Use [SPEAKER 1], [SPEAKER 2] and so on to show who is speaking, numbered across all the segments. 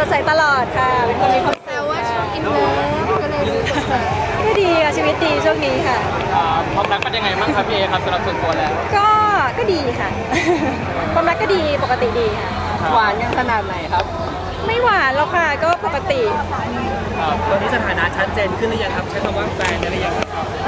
[SPEAKER 1] ดใสตลอดค่ะเป็นคนมีความ
[SPEAKER 2] แต่ว่าช่วงอินเลิฟก็เลยดูสดใส
[SPEAKER 1] ก็ดีค่ะชีวิตดีช่วงนี้ค่ะ
[SPEAKER 3] ความรักเป็นยังไงบ้างครับพี่เอครับสำหรับส่วนตัวแล้ว
[SPEAKER 1] ก็ดีค่ะความรักก็ดีปกติดีค่ะ
[SPEAKER 4] หวานยังขนาดไหนครับ
[SPEAKER 1] ไม่หวานแล้วค่ะก็ปกติ
[SPEAKER 4] ตอนนี้สถานะชัดเจนขึ้นหรือยังครับใช้คำว่าแฟนได้หรือยัง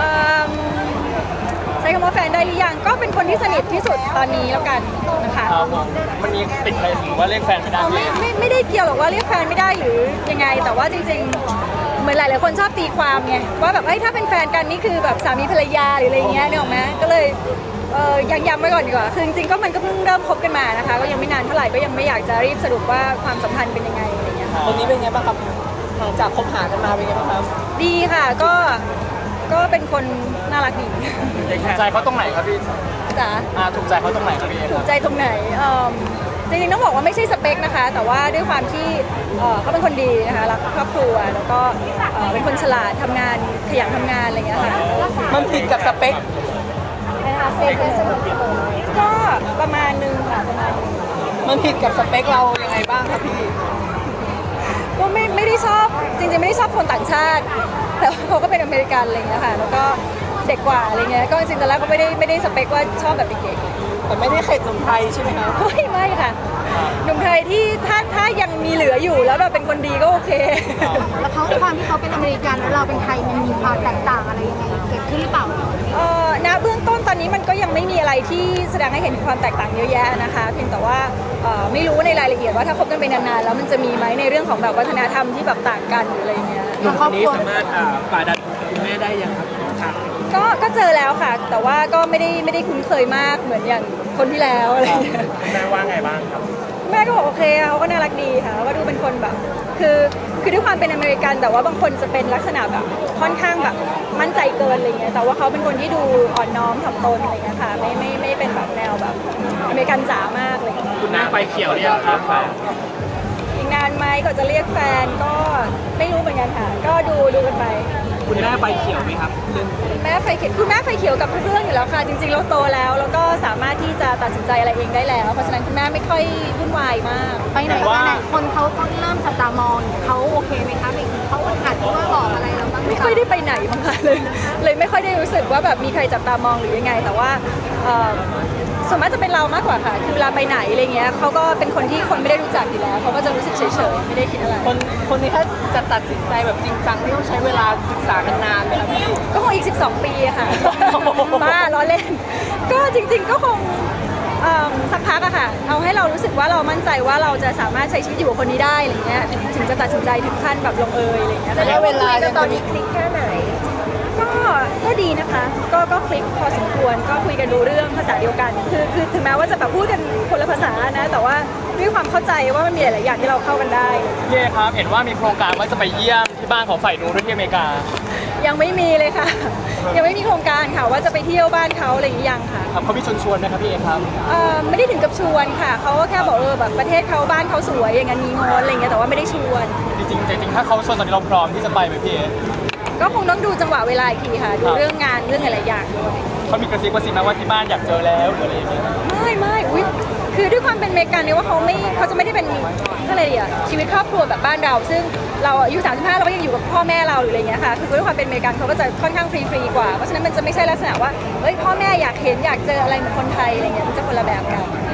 [SPEAKER 1] ใช้คำว่าแฟนได้หรือยังก็เป็นคนที่สนิทที่สุดตอนนี้แล้วกันนะคะ
[SPEAKER 3] มันมีติดอะไรหรือว่าเรียกแฟนไม่ได้
[SPEAKER 1] ไม่ได้เกี่ยวหรอกว่าเรียกแฟนไม่ได้หรือยังไงแต่ว่าจริงๆเหมือนหลายๆคนชอบตีความไงว่าแบบถ้าเป็นแฟนกันนี่คือแบบสามีภรรยาหรืออะไรเงี้ยนึกออกไหมก็เลยยังย้ำไว้ก่อนดีกว่าคือจริงๆก็มันก็เพิ่งเริ่มคบกันมานะคะก็ยังไม่นานเท่าไหร่ก็ยังไม่อยากจะรีบสรุปว่าความสัมพันธ์เป็นยังไงอะไรเงี้ย
[SPEAKER 4] วันนี้เป็นไงบ้างครับหลังจากคบหากันมาเป็นไงบ้างครับ
[SPEAKER 1] ดีค่ะก็เป็นคนน่ารักดี
[SPEAKER 3] ถูกใจเขาตรงไหนครับพี่
[SPEAKER 1] จ๋า
[SPEAKER 3] ถูกใจเขาตรงไหนครับพี่
[SPEAKER 1] ถูกใจตรงไหนจริงๆต้องบอกว่าไม่ใช่สเปคนะคะแต่ว่าด้วยความที่เขาเป็นคนดีนะคะรักครอบครัวแล้วก็เป็นคนฉลาดทำงานขยันทำงานอะไรเงี้ยค่ะ
[SPEAKER 4] มันผิดกับสเปค
[SPEAKER 1] นะคะเซฟก็ประมาณนึงค่ะประมาณนึง
[SPEAKER 4] มันผิดกับสเปคเรายังไงบ้างครับพี่
[SPEAKER 1] ก็ไม่ได้ชอบจริงๆไม่ได้ชอบคนต่างชาติแต่เขาก็เป็นอเมริกันอะไรเงี้ยค่ะแล้วก็เด็กกว่าอะไรเงี้ยก็จริงๆตอนแรกก็ไม่ได้สเปคว่าชอบแบบเด็ก
[SPEAKER 4] ๆแต่ไม่ได้เข็ดหนุ่มไทยใช่ไหมครับ
[SPEAKER 1] ไม่ค่ะหนุ่มไทยที่ถ้ายังมีเหลืออยู่แล้วแบบเป็นคนดีก็โอเค
[SPEAKER 2] แล้วเขาความที่เขาเป็นอเมริกันแล้วเราเป็นไทยมันมีความแตกต่างอะไรยังไงเกิดขึ้นหรือเปล่า
[SPEAKER 1] ณเบื้องต้นตอนนี้มันก็ยังไม่มีอะไรที่แสดงให้เห็นถึงความแตกต่างเยอะแยะนะคะเพียงแต่ว่าไม่รู้ในรายละเอียดว่าถ้าคบกันไปนานๆแล้วมันจะมีไหมในเรื่องของแบบวัฒนธรรมที่แบบต่างกันหรืออะไรเงี้ย
[SPEAKER 4] หนุ่มคนนี้สามารถฝ่าดันคุณแม่ได้ยังครับ
[SPEAKER 1] ก็เจอแล้วค่ะแต่ว่าก็ไม่ได้คุ้นเคยมากเหมือนอย่างคนที่แล้วอะไรเงี้ย
[SPEAKER 4] แม่ว่าไงบ้างครับ
[SPEAKER 1] แม่ก็บอกโอเคเขาก็น่ารักดีค่ะก็ดูเป็นคนแบบคือด้วยความเป็นอเมริกันแต่ว่าบางคนจะเป็นลักษณะแบบค่อนข้างแบบมั่นใจเกินอะไรเงี้ยแต่ว่าเขาเป็นคนที่ดูอ่อนน้อมถ่อมตนอะไรเงี้ยค่ะไม่เป็นแบบแนวแบบอเมริกันจ๋ามากเลย
[SPEAKER 4] คุณแม่ไฟเขียวเรียกครับ
[SPEAKER 1] อีกนานไหมก็จะเรียกแฟนก็ไม่รู้เหมือนกันค่ะก็ดูกันไป
[SPEAKER 4] คุณแม่ไฟเขียวไหมครับ
[SPEAKER 1] แม่ไฟเขียวคุณแม่ไฟเขียวกับทุกเรื่องอยู่แล้วค่ะจริงๆเราโตแล้วก็สามารถที่จะตัดสินใจอะไรเองได้แล้วเพราะฉะนั้นคุณแม่ไม่ค่อยวุ่นวายมาก
[SPEAKER 2] ไปไหนคนเขาเริ่มจับตามองเขาโอเคไหมคะเขาขัดว่าบอกอะไรเราบ้าง
[SPEAKER 1] ไม่ค่อยได้ไปไหนบ้างค่ะเลยไม่ค่อยได้รู้สึกว่าแบบมีใครจับตามองหรือยังไงแต่ว่าส่วนมากจะเป็นเรามากกว่าค่ะคือเวลาไปไหนอะไรเงี้ยเขาก็เป็นคนที่คนไม่ได้รู้จักอยู่แล้วเขาก็จะรู้สึกเฉยๆไม่ได้คิดอะไร
[SPEAKER 4] คนนี้ถ้าจะตัดสินใจแบบจริงจังที่ต้องใช้เวลาศึกษากันนานไหมครับพี่
[SPEAKER 1] ก็คงอีก12 ปีค่ะบ้าล้อเล่นก็จริงๆก็คงสักพักอะค่ะเอาให้เรารู้สึกว่าเรามั่นใจว่าเราจะสามารถใช้ชีวิตอยู่กับคนนี้ได้อะไรเงี้ยถึงจะตัดสินใจถึงขั้นแบบลงเอยอะไรเงี้ย
[SPEAKER 2] แต่เวลาตอนนี้คลิกแค่ไหน
[SPEAKER 1] ก็ดีนะคะก็คลิกพอสมควรก็คุยกันดูเรื่องภาษาเดียวกันคือถึงแม้ว่าจะแบบพูดกันคนละภาษานะแต่ว่าด้วยความเข้าใจว่ามันมีหลายอย่างที่เราเข้ากันได้
[SPEAKER 3] เย่ครับเห็นว่ามีโครงการว่าจะไปเยี่ยมที่บ้านของฝ่ายนู้นด้วยที่อเมริกา
[SPEAKER 1] ยังไม่มีเลยค่ะยังไม่มีโครงการค่ะว่าจะไปเที่ยวบ้านเขาอะไรอย่างยังค่ะ
[SPEAKER 3] ครับเขามีชวนไหมครับพี่เอครับ
[SPEAKER 1] ไม่ได้ถึงกับชวนค่ะเขาก็แค่บอกแบบประเทศเขาบ้านเขาสวยอย่างนั้นมีงอนอะไรอย่างเงี้ยแต่ว่าไม่ได้ชวน
[SPEAKER 3] จริงถ้าเขาชวนตอนนี้เราพร้อมที่จะไปไหมพี่เอ
[SPEAKER 1] ก็คงต้องดูจังหวะเวลาอีกทีค่ะดูเรื่องงานเรื่องอะไรอย่างด้วย
[SPEAKER 3] เขามีกระซิบมาว่าที่บ้านอยากเจอแล้วหรืออะไรอย่างเงี้ย
[SPEAKER 1] ไม่อุ๊ยคือด้วยความเป็นอเมริกันเนี่ยว่าเขาจะไม่ได้เป็นอะไรอ่ะชีวิตครอบครัวแบบบ้านเราซึ่งเราอายุ35เราก็ยังอยู่กับพ่อแม่เราหรืออะไรเงี้ยค่ะคือด้วยความเป็นอเมริกันเขาก็จะค่อนข้างฟรีกว่าเพราะฉะนั้นมันจะไม่ใช่ลักษณะว่าเฮ้ยพ่อแม่อยากเห็นอยากเจออะไรเหมือนคนไทยอะไรเงี้ยมันจะคนละแบบกัน